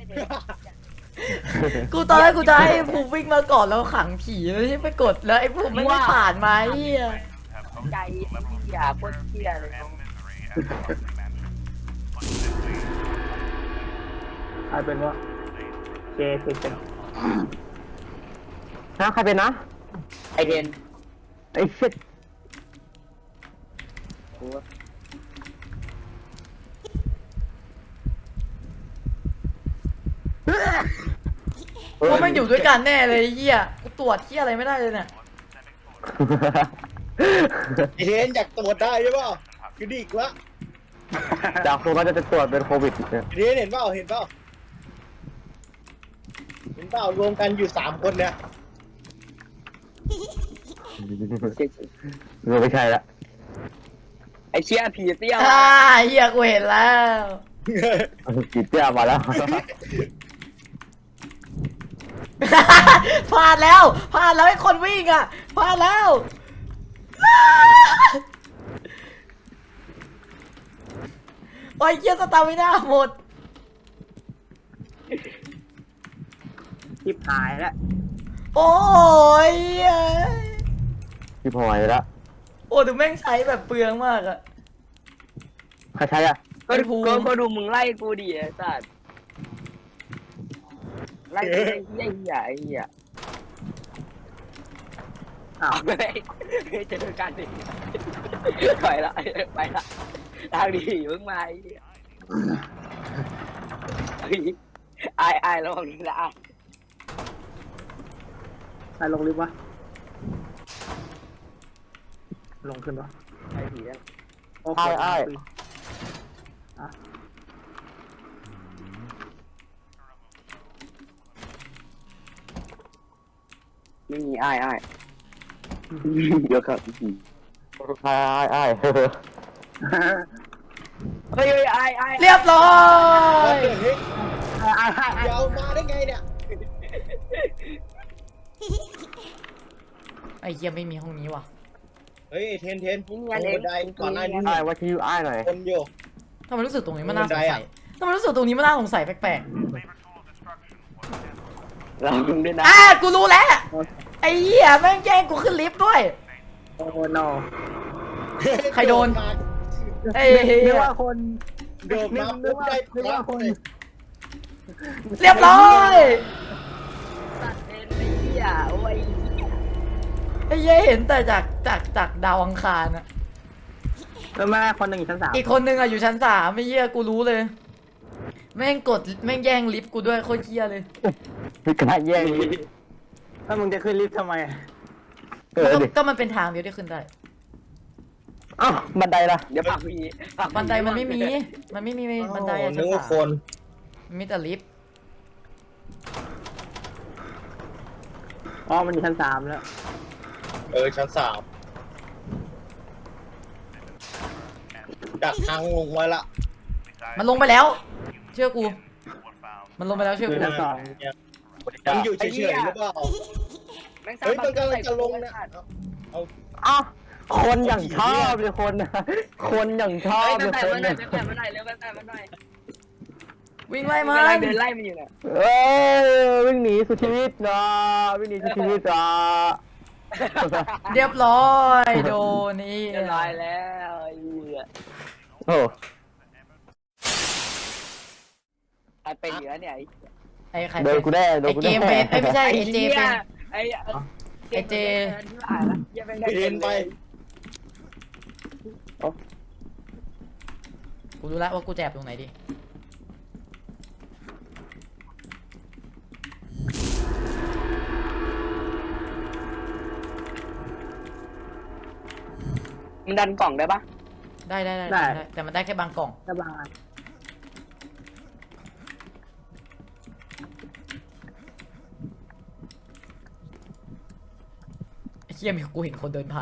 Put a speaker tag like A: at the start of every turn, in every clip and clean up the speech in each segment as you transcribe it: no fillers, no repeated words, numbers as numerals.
A: กูตอนแรกกูจะให้ภูมิวิ่งมาก่อนแล้วขังผีแล้วที่ไปกดแล้วไอ้ภูมิไม่ผ่านมาเฮีย
B: ใจเหี้ยโคตรเหี้ยเลย
C: ใครเป็นวะเจเป็น
D: นะใครเป็นนะ
B: ไอเดน
D: ไอ้ชิด
A: พวกมันอยู่ด้วยกันแน่เลยเฮียกูตรวจเฮียอะไรไม่ได้เลยเนี่ย
E: ไอเทนอยากตรวจได้ใช่ป่ะคือดีกว่า
D: จากคนก็จะตรวจเป็นโควิดเนี่ย
E: ไอเทนเห็นเปล่าเห็นเปล่าเรวมกันอยู่3 คนเนี่ย
D: ไม่ใช่ละ
B: ไอเชี่ยผีเตี้ย
A: เฮียกูเห็นแล้ว
D: กีเตี้ยมาแล้ว
A: พลาดแล้วไอ้คนวิ่งอ่ะพลาดแล้วโอ้ยเฮียสตาร์ไม่น่าหมด
C: ทิพหายแล้ว
A: โอ้ย
D: พี่พลอยละ
A: โอ้ดูแม่งใช้แบบเปลืองมากอะ
D: ใครใช้อ่ะ
B: ก็ดูมึงไล่กูดิไอ้สัสไล่กูไอ้เหี้ยไอ้เหี้ย
C: อ้าว
B: ไม่เจอกันดิถอยละไปละทางดีมึงมาไอ้ระวังนะ
C: ใครลงลิฟต์วะลงขึ้นวะ
B: ไอ้ผีนั่น
C: โอเค
B: ไม่มีไอ้เดี๋ยวครับ
D: ไอ้
B: เฮ้ยไอ้
A: เรียบร้อย
E: เฮ้ยเดี๋ยวมาได้ไงเนี่ย
A: ไอ้เฮียไม่มีห้องนี้ว่ะ
E: เฮ้ยเทนตรงบันไดก่อนหน้านี้
D: ไอ้ว่าที่ไอ้หน่อย
E: คนอยู่
A: ทำไมรู้สึกตรงนี้มันน่าสงสัยทำไมรู้สึกตรงนี้มันน่าสงสัยแปลก
B: เราดึงด้วยนะ
A: กูรู้แล้วไอ้เหี้ยแม่งแย่งกูขึ้นลิฟต์ด้วย
C: โอ้โน
A: ใครโดน ไอ้เหี้
C: นึก
A: ย
C: ว่าคน
E: โดดมาปุ๊บได้
C: นึกว่าคน
A: เรียบร้อย
B: ตัดเอ็นไอ้เหี้ยโอ้ย
A: ไอ้เหี้ยเห็นแต่จากดาวอังคารอะ
C: แล้วแม่คนหนึ่งอยู่ชั้น 3
A: อีกคนนึงอะอยู่ชั้น3ไอ้เหี้ยกูรู้เลย แม่งกดแม่งแย่งลิฟต์กูด้วยโคตรเหี้ยเลย
D: พี่กระแย่ง
C: แล้วมึงจะขึ้นลิฟต์ทำไม
A: ก็มันเป็นทางเดียวที่ขึ้นได้
D: อ้าวบันไดล่ะ
B: เดี๋ยวปากผี
A: บันไดมันไม่มีบันไดอะ
E: นึ
A: ชั้
E: ก
A: น
E: ว่าค
A: 3
E: น
A: มีแต่ลิฟต์
C: อ๋อมันอยู่ชั้น 3แล้ว
E: ชั้น 3ดักทางลงไว้ละ
A: มันลงไปแล้ว เชื่อกู มันลงไปแล้วเชื่อ
C: คือ
A: กู
C: ชั้น 2
E: มันอยู่เฉยๆหรือเปล่าเฮ้ยมันกำลังจะลงนะ
D: อ้าวคนอย่างชอบเลยคนคนอย่างชอบ
B: เฮ้ย
D: เลยคน
B: แปะมาหน่อยเร็วแปะมาหน่อย
A: วิ่งไล่มั
B: กำลัง
A: น
B: เดินไล่มันอยู่เนี่ย
D: เอ้ยวิ่งหนีสุดชีวิตนะวิ่งหนีสุดชีวิตอ่ะ
A: เรียบร้อยโดนนี่
B: เรียบร้อยแล้วไอ้เหี้ย
D: โอ้
B: ไอ้เป็นเหลือเนี่ย
A: ไอ้ใคร
D: โดนกูแน่โดน
A: ไอ้
D: กู
A: เก
D: แน่
A: มเป็นไอ้ไม่ใช่ไอ้เจเป็น
B: ไอ้
A: ไอ้เจ
E: เดินไป
A: กูรู้แล้วว่ากูแจบตรงไหนดิ
B: มันดันกล่องได้ปะ
A: ได้แต่มันได้แค่บางกล่อง
C: สบาย
A: ไอ้เหี้ยมีกูเห็นคนเดินผ่าน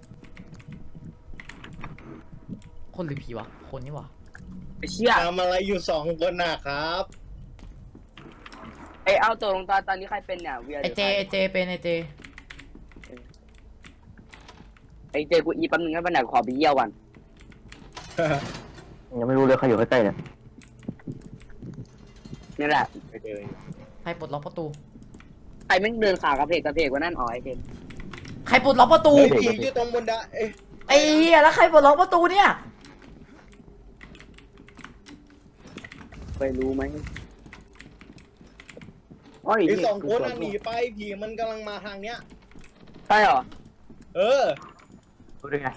A: คนหรือผีวะ คนนี่วะ
B: ไอ้เชี่ย
E: ทำอะไรอยู่2 คนนะครับ
B: ไอ้เอาตัวลงตอนนี้ใครเป็นเนี่ยเวีย
A: ไอ้เจเป็นไอ้เจ
B: ไอ้เจกูอีแป๊บนึงให้ไปไหนขอไปเยี่ยวก่อน
D: ยังไม่รู้เลยใครอยู่ใกล้ๆเนี่ย
B: นี่แหละ
E: ไปเดิน
A: ใครปลดล็อกประตู
B: ใครแม่งเดินขากระเพกว่านั่นอ๋อไอเทม
A: ใครปลดล็อกประตู
E: เฮ้ยผีอยู่ตรงบนดาเอ้ย
A: ไอ้เหี้ยแล้วใครปลดล็อกประตูเนี่ย
B: ไปรู้ไหม
C: โอ้ย
E: ไอ้สองคนน่ะหนีไปผีมันกำลังมาทางเนี้ย
B: ใช่เหรอ
E: เออ
C: ดูดิไง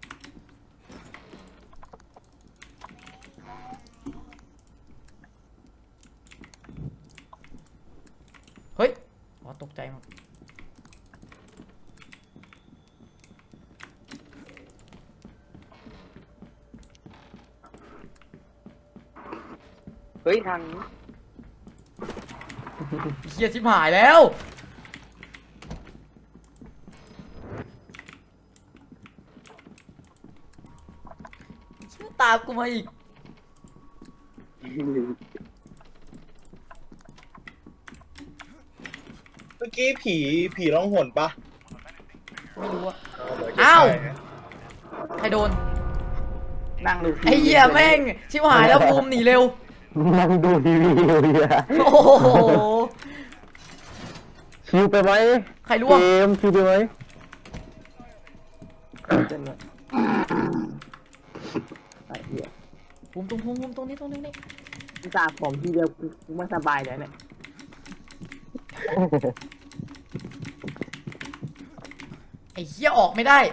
A: เฮ้ยอ๋อตกใจหมด
B: เฮ้ยทาง
A: เฮียชิบหายแล้วเชี่ยตามกูมาอีก
E: เมื่อกี้ผีร้องหนปะ
A: ไม่รู้อะ
E: เหมืนจะ
A: อ้าว
E: ใช่นะ
A: ใครโดน
C: นั่งดู
A: ไอ้เหี้ยแม่งชิบหายแล้วภูมิหนีเร็ว
D: นั่งดูทีวีอยู่เนี่ย
A: โอ้โห
D: ชิวไปไหม
A: ใครร่
D: เก
A: วง
D: มชิวไปไหม
C: ไอ้เหี้ย
A: ภูมิตรงภูมิตรงนี้ตรงนี้นี่
C: กูตาผมทีเดียวกูไม่สบายเลยเนี่ย
A: ไอ้เหี้ยออกไม่ได้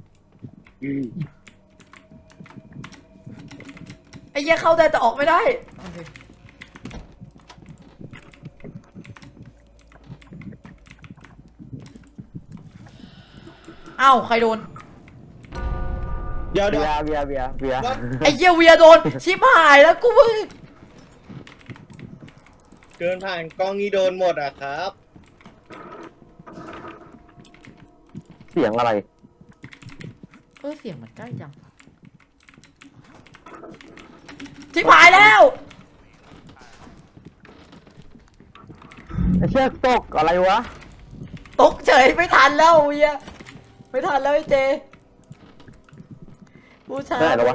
A: ไอ้เหี้ยเข้าได้แต่ออกไม่ได้โอเคอ้าวใครโดน
E: เดี๋ยว
D: เบียร์เบียร์เบียร์เบียร์
E: ว่า
A: ไอ้เหี้ยเวียโดนชิบหายแล้วกูมึง
E: เดินผ่านกล้องนี้โดนหมดอ่ะครับ
D: เสียงอะไร
A: เสียงมันใกล้จังชิบหายแล้ว
D: ไอ้เชือกตกอะไรวะ
A: ตกเฉยไม่ทันแล้วเวียไม่ทันแล้วไอ้เจผู้ชาย
D: ได้เหรอวะ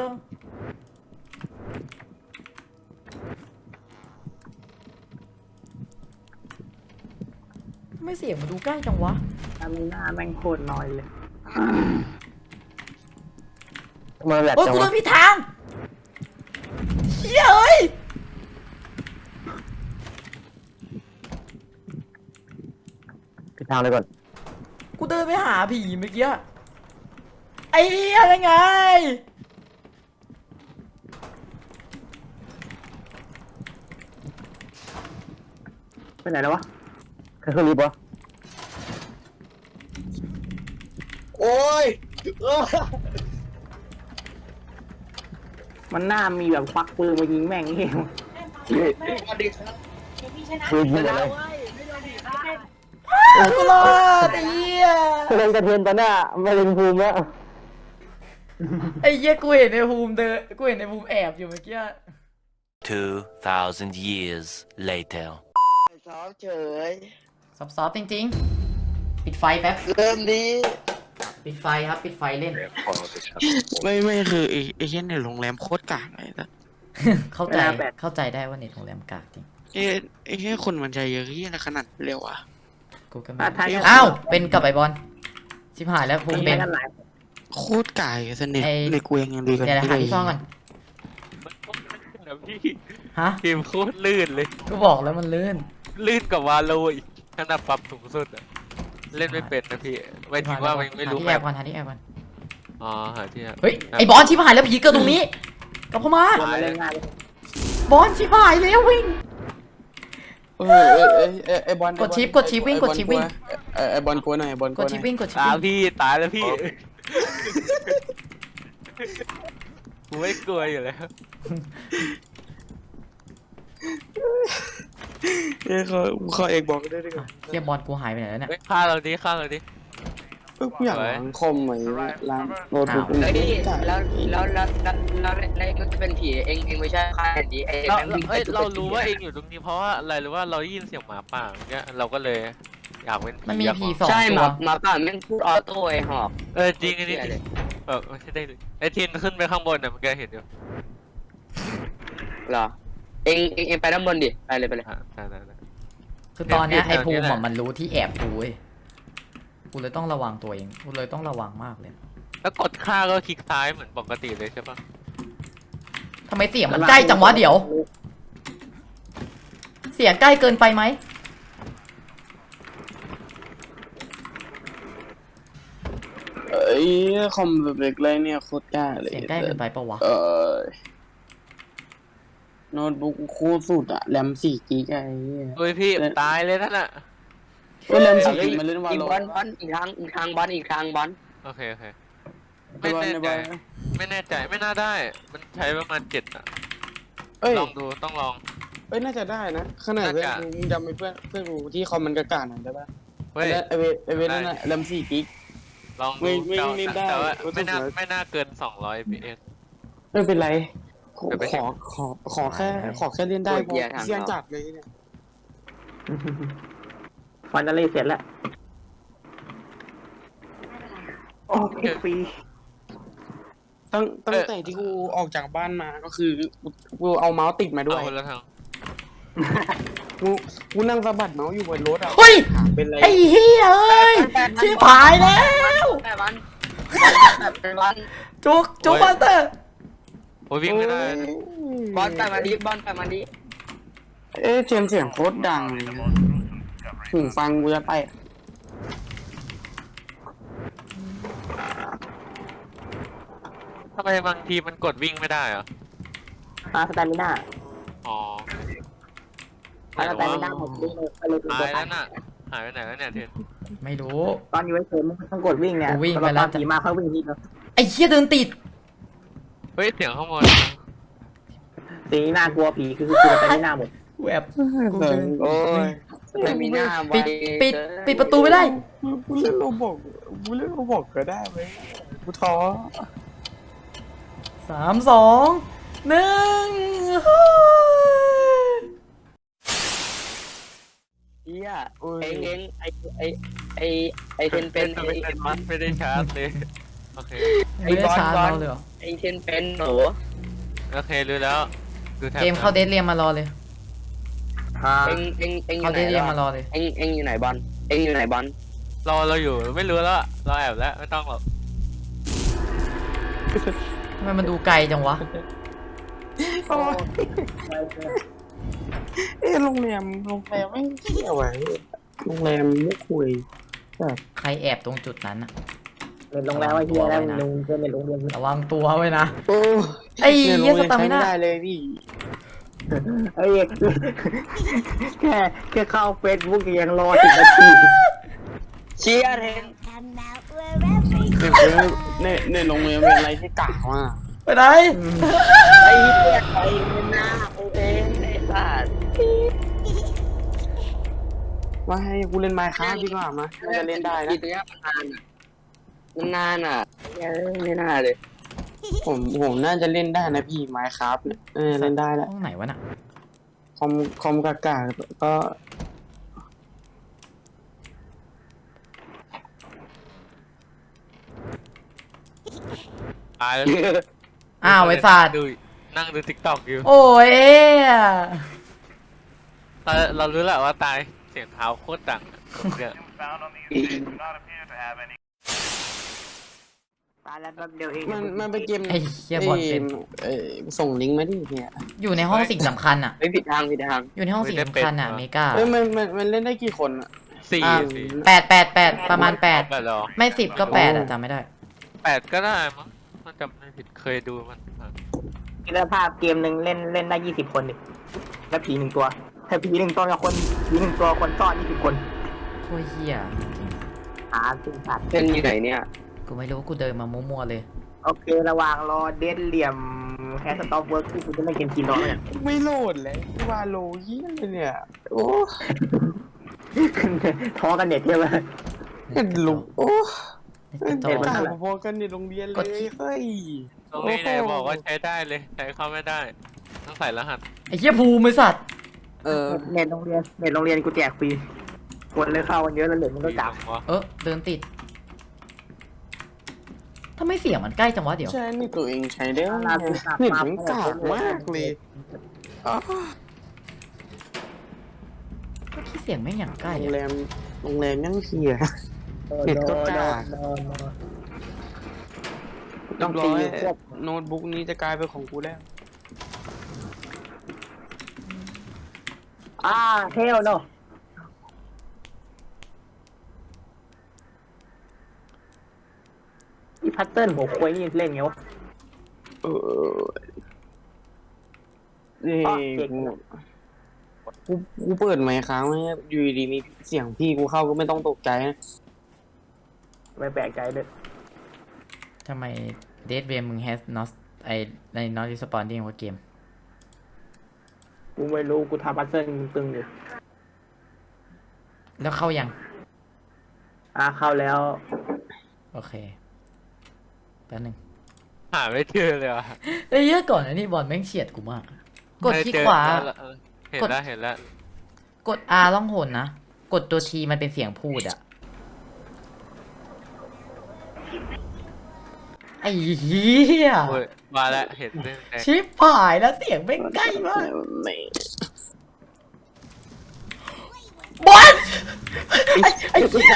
A: ไม่เสียงมันดูใกล้จังวะ
C: ตามีหน้าแม่งโคตรน้อยเลย
D: มาแหลก
A: โอ้ย
D: จัง
A: กูโด
D: วะ
A: นผิดทางเฮ้ยเอ้ย
D: ไปทางเลยก่อน
A: กูเดินไปหาผีเมื่อกี้ไอ้เหี้ยยังไง
C: ไปไหนแล้ววะ
D: ใครขึ้นรีบวะ
E: โอ้ยเออ
C: มันหน้ามีแบบควักปืนมายิงแม่งเอง
E: สวัสดีครับ
D: คือยิงอะไร
A: กูรอดไอ้เหี้ย
D: เล่นกระเทียนตอนหน้าไม่เล่นภูมิแล้ว
A: ไอ้เหี้ยกูเห็นในภูมิเดินกูเห็นในภูมิแอบอยู่เมื่อกี้
F: 2,000 years later.
G: ซ้อมเฉย
A: ซอฟๆจริงๆ ปิดไฟแป๊บ
G: เริ่มดี
A: ปิดไฟครับปิดไฟเล่น
G: ไม่คือไอ้เช่นในโรงแรมโคตรกากเลยนะ
A: เข้าใจเข้าใจได้ว่าเน็ตโรงแรมกากจริง
G: ไอ้แค่คนมันใจเยอะที่อะไรขนาดเร็วอ่ะ
A: กูก็ไม่อ้าวเป็นกับไอบอลชิบหายแล้วภูมิเป็น
C: กันหลาย
G: โคตรกายสนิท
A: ไอ้
G: ในกูยังดีกัน
A: เดี๋ยวหาที่ซ่อนก่อน
H: พี่
A: ฮะ
H: เกมโคตรลื่นเลย
A: ก็บอกแล้วมันลื่น
H: ลื่นกับวาโลอีกขนาดปรับสูงสุดอะเล่นไม่เป็นนะพี่ไม่ถึงว่าไม่รู้
A: หาที่
H: แบ
A: แอบบ ก่อนหาที่แอบก่อน
H: อ๋อหาที่แอบ
A: เฮ้ยไอบอลชิบหายแล้วผีเกิดตรงนี้กลับเข้ามา
C: คนมาเล่นง่ายเลย
A: บอลชิบหายแล้ววิ่ง
G: ไอ้บอล
A: กดชิปกดชิปวิ่งกดชิปวิ่ง
G: ไอ้บอลกลัวหน่อยบอล
A: กดชิปวิ่งกดชิป
H: ตาย
A: วิ่ง
H: พี่ตายแล้วพี่กูไม่กลัวอยู่แล้ว
G: เขาเอกบอกได้ด้วยกัน
A: เฮียบอลกูหายไปไหนแล้วเนี่ย
H: เฮ้ยฆ่าเราดิฆ่าเราดิ
G: กูอยากล้างคอมไหมล้างโน้ตบุ๊ก
B: เฮ้ยแล้วมันจะเป็นผีเองไม่ใช่ใครอย่างนี้ไอ้
H: เรา
B: แม่งวิ่ง
H: เอ้ยเรารู้ว่าเองอยู่ตรงนี้เพราะว่าอะไรหรือว่าเราได้ยินเสียงหมาป่าอย่างเงี้ยเราก็เลยอยากเป็นผี
A: มันมี
H: อยาก
A: ผีสอง
B: ใช่
A: ตัว
B: หมาป่าแม่งพูดออโต้ไอ้หอก
H: จริงอันนี้ไม่ใช่ได้ไอ้ทีนขึ้นไปข้างบนน่ะมันก็เห็นอยู่
B: เหรอเองไปด้านบนดิไปเลย
H: ได้
A: คือตอนเนี้ย
H: เปลี่
A: ไอ้
H: ยน
A: ภูมิ
H: แถวนี้แห
A: อะ
H: ละ
A: มันรู้ที่แอบกูเว้ยกูเลยต้องระวังตัวเองกูเลยต้องระวังมากเลย
H: แล้วกดค่าก็คลิกซ้ายเหมือนปกติเลยใช่ปะ
A: ทำไมเสียงมันใกล้จังวะเดี๋ยว เสียงใกล้เกินไปไหม
C: เอ้ยคอมแบบเล็กเลยเนี่ยโคตรกล้าเลย
A: เสียงใกล้เกินไปปะวะ
C: โน้ตบุ๊กโคตรสุดอะแรม4 กิกะไอ้เหี้ย
H: เฮ้ยพี่ตายเลยนั่นน่ะ
C: เฮ้ยแรม4 กิกมันเล่นวา
B: อีก
C: โล
B: บอลอีกทางบอล
H: โอเค
C: ใน
H: ไม่
C: บอล
H: แน่
C: ในบ
H: ใจ
C: อล
H: ไม่แน่ใจไม่น่าได้ มันใช้ประมาณ7อ่ะ
C: เอ้ย
H: ลองดูต้องลอง
C: เอ้ยน่าจะได้นะขนาดเพื่อน
H: น่าจะ
C: มึงจำไอ้เพื่อนกูที่คอมมันกระกาหน่อยได้ปะ
H: เฮ้ย
C: ไอเวนั่นน่ะแรม4 กิก
H: ลอง
C: ไม่
H: ดู
C: ไม่
H: แต่
C: ไม่ได้
H: แต่ว่า
C: ก็ต้อง
H: ไม่น่าเกิน200 fps
C: ไม่เป็นไรขอ
H: เดี๋ยวไป
C: ขอแค่เล่นได้พอเสียงจัดเลยเนี่ย
D: ฟันจะเล่เสร็จแล้วโอ้ยฟรี
C: ตั้งแต่ที่กูออกจากบ้านมาก็คือกูเอาเมาส์ติดมาด้วย
H: เอาคนละทาง
C: กูนั่งสะบัดเมาส์อยู่บนรถอ่ะ
A: เฮ้ย
C: ถามเป็นไร
A: ไอ้เหี้ยเอ้ยชิบหายแล้ว
B: แต่วัน
A: จุกบัสเตอร์
H: โอ้ยวิ่งไม่ได้
B: บอลไปมันดิ
C: เอ๊ะเสียงโคตรดังเลยหูฟังกูจะไป
H: ทำไมบางทีมันกดวิ่งไม่ได้เหรอ
D: สแตมิน่า
H: อ๋อ
D: สแตมิน่าผมวิ่งไปเลย
H: หายแล้วน่ะหายไปไหนแล้วเนี่ยเทน
A: ไม่รู้
D: ตอนอยู่เฉยๆมึงต้องกดวิ่งเนี่ย
A: กูวิ่งไปแล้ว
D: ตอนผีมาเขาวิ่งทีเดียว
A: ไอ้เหี้ยเดินติด
H: เฮ้ยเสียงข้างบน
D: สีน่ากลัวผีคือสแตมิน่าหมด
A: แวบ
C: โอ้ย
B: ไม่มีหน้า
A: ปิดประตูไม่ได้
C: กูเล่นโรบอกก็ได้เว้ยกูท้อ
A: 3 2 1
B: เฮียเองไอเทนเป็น
H: ไม่ได้ชาร์จเลยโอเค
A: ไม่ได้ชาร์จเราเลยเหรอ
B: ไอเทนเป็นหนู
H: โอเครู้แล้วดูแท็บ
A: เกมเข้าเดทเรียมมารอเลย
B: เองอ
A: เข้า
B: ยู่ไหน
A: เดทเรียมมารอเลย
B: เองอยู่ไหนบอลเองอยู่ไหนบอล
H: เราอยู่ไม่รู้แล้วเราแอบแล้วไม่ต้องหรอก
A: ทำไมมันดูไกลจังวะ
C: โรงแรมไม่เที่ยวไว้โรงแรมไม่คุย
A: ใครแอบตรงจุดนั้นอะ
D: เป็นโรงแรมว่าเฮียแล้วมึงเป็นโรงเรียน
A: ระวังตัวไว้นะ
C: โอ้
A: ไอ้เหี้ยสตามิน่า
C: ใช้ไม่ได้เลยพี่
D: เอ้ยแค่เข้าเฟซบุ๊กยังรอ10 นาที
B: เชียร์เทน
C: ในโรงแรมเป็นอะไรที่กากมาก
A: ไปไหน
B: ไอ้เหี้ยไอ้หน้ากูเองไอ้สัตว์
C: ว่าให้กูเล่นไมค์ครับดีกว่ามาน่าจะเล่นได้นะ
B: ตัวนี้มันนานอ่ะไม่น่าเลย
C: ผมน่าจะเล่นได้นะพี่ไมค์ครับเล่นได้แหละ
A: ห้องไหนวะน่ะ
C: คอมกากาก็
H: ตายแล้ว
A: อ้าวไอ้สัตว์
H: ดูนั่งดูทิกตอกอยู่
A: โอ้ย
H: เรารู้แหละว่าตายเสียงเท้าโคตรดังเนี่ย
D: ตายแล้วแป๊บเดียวเอง
C: มันเป็นเกม
A: ไอ้เหี้ยบอลเป็น
C: ส่งลิงก์มาดิเนี่ย
A: อยู่ในห้องสิ่งสำคัญอะ
B: ไม่ผิดทาง
A: อยู่ในห้องสิ่งสำคัญอะเมกา
C: มันเล่นได้กี่คนอ่ะ
H: สี่
A: 8 ประมาณ
H: แบบเหรอ
A: 8 ไม่10ก็8อะจำไม่ได้
H: 8ก็ได้มั้งมันจำไม่ผิดเคยดูมัน
D: คิดภาพเกมหนึ่งเล่นได้20 คนดิแล้วผี1 ตัวถ้าผี1 ตัวกับคนผี1 ตัวคนซ่อน20 คน
A: โคตรเหี้ย
D: จริงสัตว์
B: เป็นอยู่ไหนเนี่ย
A: กูไม่รู้กูเดินมามั่วๆเลย
D: โอเคระหว่างรอเดนเหลี่ยมแคสต็อปเวิร์กที่คุณจะไม่เกมกินรอเนี่ย
C: ไม่โหลดเลยวาโลเยี่ยเลยเนี่ยโอ้
D: ท้อกันเด็ดใช่ไหม
C: เห็นลุงโอ้
A: ติดต่
C: เห็น
A: อ
C: ต่างพอกันในโรงเรียนเลยเฮ้ย
H: ตรงนี้ไหนบอกว่าใช้ได้เลยใช้เข้าไม่ได้ต้องใส่รหัส
A: ไอ้เหี้ยภูมิไอ้สัตว์
D: เน็ตโรงเรียนกูแจกฟรีคนเลยเข้ากันเยอะแล้วเหลือมันก็กลับ
A: เดินติดทำไมเสียงมันใกล้จังวะเดี๋ยว
C: ใช่นี่ตัวเองใช้ได้เน็ตมันกากมากเลย
G: อ้าว
A: เมื่อกี้เสียงแม่งอย่างใกล้
G: โรง
A: อะ
G: แรมยังเสีย เน็ตก็กาก ต้องตีโน้ตบุ๊กนี้จะกลายเป็นของกูแล้ว
D: เทลโนอีพัตเติ้ลหัวควยนี่เล่นไงวะ
G: นี่
D: อ๋อเก่ง
G: กูเปิดไมค์ค้างไว้อยู่ดีๆมีเสียงพี่กูเข้าก็ไม่ต้องตกใจนะ
D: ไม่แปลกใจเลย
A: ทำไมเดทเวมมึงแฮสนอสไอในนอสรีสปอนดิ้งว่าเกม
D: กูไม่รู้กูทำพัตเติ้ลตึงอยู่
A: แล้วเข้ายัง
D: เข้าแล้ว
A: โอเคแป๊บนึง
H: หาไม่เจอเลยว่ะ
A: ไอ้เหี้ยก่อนอันนี้บอลแม่งเฉียดกูมาก กดที่ขวา
H: เห็นแล้วเห็นแล้ว
A: กด R ล่องหนนะ กดตัว T มันเป็นเสียงพูดอะไอ้เหี้ย
H: โอ้ยมาแล้วเห็นแดง
A: ชิบหายแล้วเสียงแม่งใกล้มาก
G: ไม่
A: บอลไอ้เหี้ย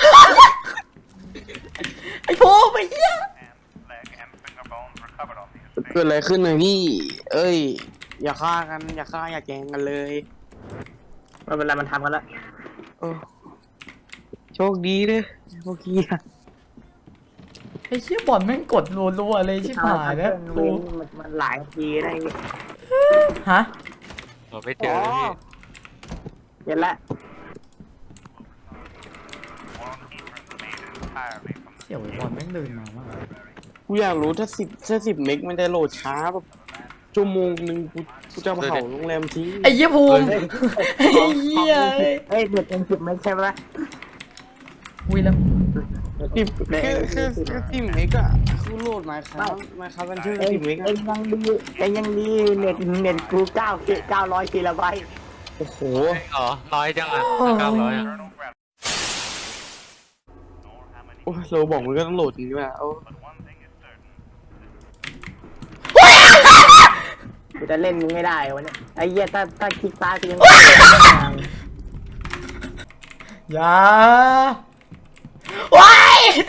A: ไอ้โพไอ้เหี้ย
G: เกิดอะไรขึ้นเลยพี่ เอ้ย อย่าฆ่ากัน อย่าแกล้งกันเลย
D: ไม่เป็นไรมันทำกันแล้ว
G: โอ้โชคดีเลยพวกกี้อะ
A: ไอ้เหี้ยบอลแม่งกดรัวๆเลยชิบหายแล้วกู
D: มันหลายทีได้
A: ฮะ
H: ๆเราไม่เจอพี่
D: เห็นละ
A: เสี่ยวไอ้บอลแม่งเดินมามาก
G: กูอยากรู้ถ้า10เมกมันจะโหลดช้าแบบชั่วโมงหนึ่งกูจะเผาโรงแรมทิ้ง
A: ไอ้เหี้ยภูมิไอ้เหี้ย
D: เอ้ยเด็กเป็น10 ไม่ใช่ไหม
A: อุ้ยแล้ว
G: 10เมกอะคือโหลดมาครับกันชื่อ10เมกอะ
D: เอ็งยังดีเน็ตกู900 กิโลไบต์
G: โอ้โห
H: อ๋อน้อยจังอ่ะ900อ่ะ
G: โอ้ยเราบอกมันก็ต้องโหลดจริงด้วยเอา
D: กูจะเล่นมึงไม่ได้วันนี้ไอ้เหี้ยถ้าคลิกซ้ายกูยัง
A: อย่าว้าย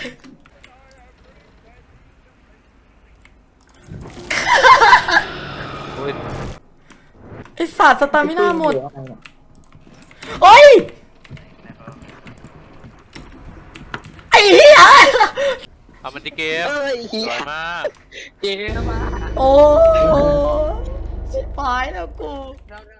H: โอ้ย
A: ไอสัตว์สตามิน่าหมดโอ้ยไอ้เหี้ย
H: เอามันที่เกมสวยมาก
B: เจ๊มา
A: โอ้ชิบหายแล้วกู
B: เรา